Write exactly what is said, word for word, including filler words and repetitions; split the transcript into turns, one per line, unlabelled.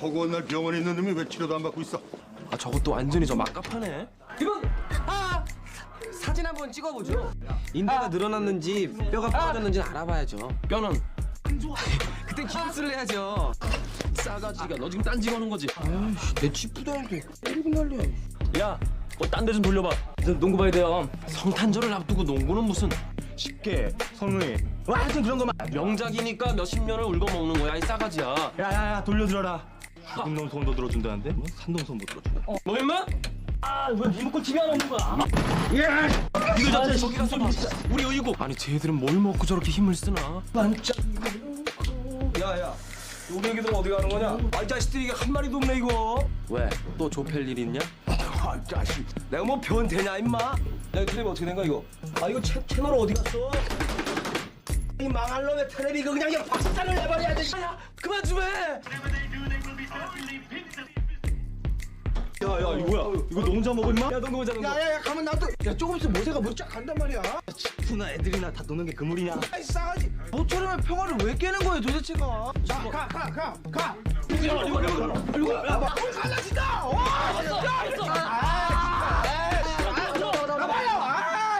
허구한 날 병원에 있는 놈이 왜 치료도 안 받고 있어?
아 저것도 완전히 저 막갑하네.
이분 아 사진 한번 찍어보죠.
인대가 늘어났는지 뼈가 부러졌는지 알아봐야죠.
뼈는
그땐 기부스를 해야죠.
싸가지가 너 지금 딴지 거는 거지.
아이씨 내 찌푸다는데 때리고 난리야.
야, 뭐 딴 데 좀 돌려봐. 너 농구 봐야 돼요. 성탄절을 앞두고 농구는 무슨 쉽게
선우이 와 하여튼 그런 거만
명작이니까 몇십 년을 울고 먹는 거야 이 싸가지야.
야야야 돌려들어라 죽은 놈 손도 들어준다는데 뭐 산동손 못 들어주네
뭐 임마?
아왜 리모컨 티비 안 없는 거야
이거 자체 저기 가서 봐. 우리 어이구. 아니 쟤들은 뭘 먹고 저렇게 힘을 쓰나?
야야 우리 애기들은 어디 가는 거냐 아 이 자식들이 이게 한 마리도 없네 이거
왜? 또 좁힐 일 있냐?
아 이 자식 내가 뭐 변태냐 임마 야 텔레비 어떻게 된 거야 이거 아 이거 채, 채널 어디 갔어 이 망할 놈의 텔레비 이거 그냥 그냥 박살을 내버려야지 야 그만 좀 해 야야 이거 뭐야 이거 너 혼자 먹어 임마? 야너 혼자 먹어 야야야 가만 놔둬 야 조금 있으면 모세가 뭐쫙 간단 말이야 치프나 애들이나 다 노는 게 그물이냐 아이 싸가지 모처럼에 평화를 왜 깨는 거예요 도대체가 자 가 가 가 가 이거 이거 이거